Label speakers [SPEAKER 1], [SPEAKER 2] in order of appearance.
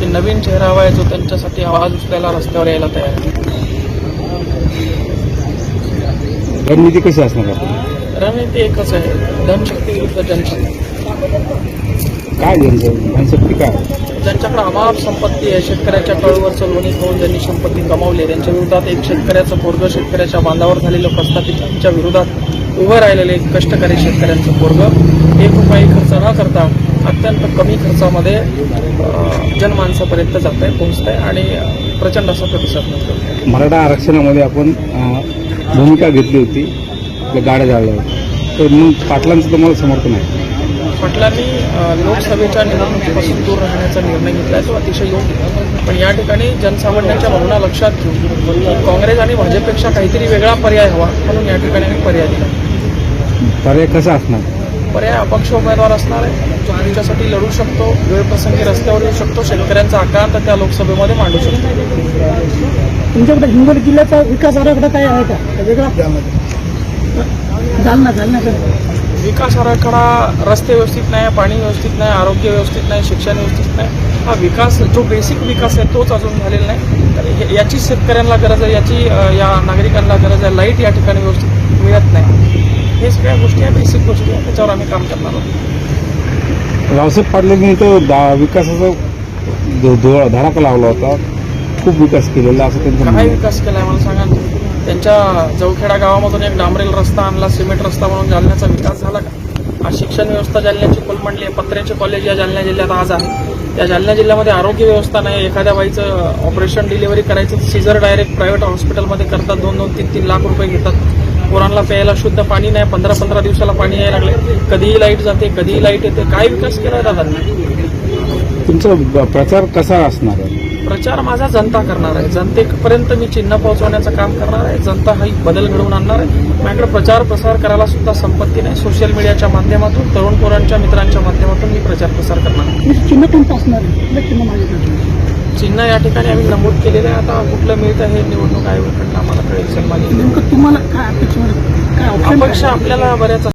[SPEAKER 1] की नवीन चेहरा हवा आहे जो त्यांच्यासाठी आवाज उचलायला रस्त्यावर यायला तयार आहे.
[SPEAKER 2] रणनीती कशी असणार आपली?
[SPEAKER 1] रणनीती एकच आहे, धनशक्ती विरुद्ध जनशक्ती.
[SPEAKER 2] काय जनशक्ती काय?
[SPEAKER 1] ज्यांच्याकडे अमाप संपत्ती आहे, शेतकऱ्याच्या कळवरचं लोणी खाऊन ज्यांनी संपत्ती कमावली, त्यांच्या विरोधात एक शेतकऱ्याचं पोरगं, शेतकऱ्याच्या बांधावर झालेलं प्रस्थापितांच्या विरोधात उभं राहिलेलं एक कष्टकरी शेतकऱ्यांचं पोरगं 1 रुपयाही खर्च न करता अत्यंत कमी खर्चामध्ये जनमानसापर्यंत जात आहे, पोहोचत आहे आणि प्रचंड असा प्रतिसाद मिळतो.
[SPEAKER 2] मराठा आरक्षणामध्ये आपण भूमिका घेतली होती, आपल्या गाड्या जाळल्या होत्या, तर मग पाटलांचं तुम्हाला समर्थन आहे?
[SPEAKER 1] पाटलांनी लोकसभेच्या निवडणुकीपासून दूर राहण्याचा निर्णय घेतला आहे, तो अतिशय योग्य. पण या ठिकाणी जनसामान्यांच्या भावना लक्षात घेऊन काँग्रेस आणि भाजपपेक्षा काहीतरी वेगळा पर्याय हवा, म्हणून या ठिकाणी आम्ही पर्याय दिला.
[SPEAKER 2] पर्याय कसा असणार?
[SPEAKER 1] पर्याय अपक्ष उमेदवार असणार आहे, जो त्यांच्यासाठी लढू शकतो, वेळप्रसंगी रस्त्यावर येऊ शकतो, शेतकऱ्यांचा आकांत त्या लोकसभेमध्ये मांडू शकतो.
[SPEAKER 3] तुमच्याकडे हिंगोली जिल्ह्याचा विकास आराखडा काय आहे का वेगळा? जालना
[SPEAKER 1] विकास आराखडा, रस्ते व्यवस्थित नाही, पाणी व्यवस्थित नाही, आरोग्य व्यवस्थित नाही, शिक्षण व्यवस्थित नाही. हा विकास जो बेसिक विकास आहे तोच अजून झालेला नाही. तर याची शेतकऱ्यांना गरज आहे, याची या नागरिकांना गरज आहे. लाईट या ठिकाणी व्यवस्थित मिळत नाही. हे सगळ्या गोष्टी आहे, बेसिक गोष्टी आहे, त्याच्यावर आम्ही काम करणार आहोत.
[SPEAKER 2] रावसाहेब पाटलांनी तो विकासाचा धडाका लावला होता, खूप विकास केलेला असं त्यांचं
[SPEAKER 1] काय
[SPEAKER 2] म्हणणं आहे.
[SPEAKER 1] विकास केलाय मला सांगा ना. त्यांच्या जवखेडा गावामधून एक डांबरेल रस्ता आणला, सिमेंट रस्ता म्हणून जालन्याचा विकास झाला का? आज शिक्षण व्यवस्था जालन्याची कोलमडली आहे. पत्र्याचे कॉलेज या जालना जिल्ह्यात आज आहे. या जालना जिल्ह्यामध्ये आरोग्य व्यवस्था नाही. एखाद्या बाईचं ऑपरेशन डिलिव्हरी करायचं, सीझर डायरेक्ट प्रायव्हेट हॉस्पिटलमध्ये करतात, 2-2, 3-3 लाख रुपये घेतात. पोरांना प्यायला शुद्ध पाणी नाही, 15-15 दिवसाला पाणी यायला लागले. कधीही लाईट जाते, कधीही लाईट येते. काय विकास केलाय दादा?
[SPEAKER 2] तुमचा प्रचार कसा असणार आहे?
[SPEAKER 1] प्रचार माझा जनता करणार आहे. जनतेपर्यंत मी चिन्ह पोहोचवण्याचं काम करणार आहे. जनता हा बदल घडवून आणणार आहे. माझ्याकडे प्रचार प्रसार करायला सुद्धा संपत्ती नाही. सोशल मीडियाच्या माध्यमातून, तरुण पोरांच्या मित्रांच्या माध्यमातून मी प्रचार प्रसार करणार आहे.
[SPEAKER 3] चिन्ह कोणतं असणार आहे? चिन्ह माझ्याकडे
[SPEAKER 1] चिन्ह या ठिकाणी आम्ही नमूद केलेलं आहे. आता कुठलं मिळतं हे निवडणूक आयोगाकडनं आम्हाला कळेल. सन्मानित
[SPEAKER 3] नेमकं तुम्हाला काय अपेक्षा, काय ऑप्शन
[SPEAKER 1] अपेक्षा आपल्याला बऱ्याच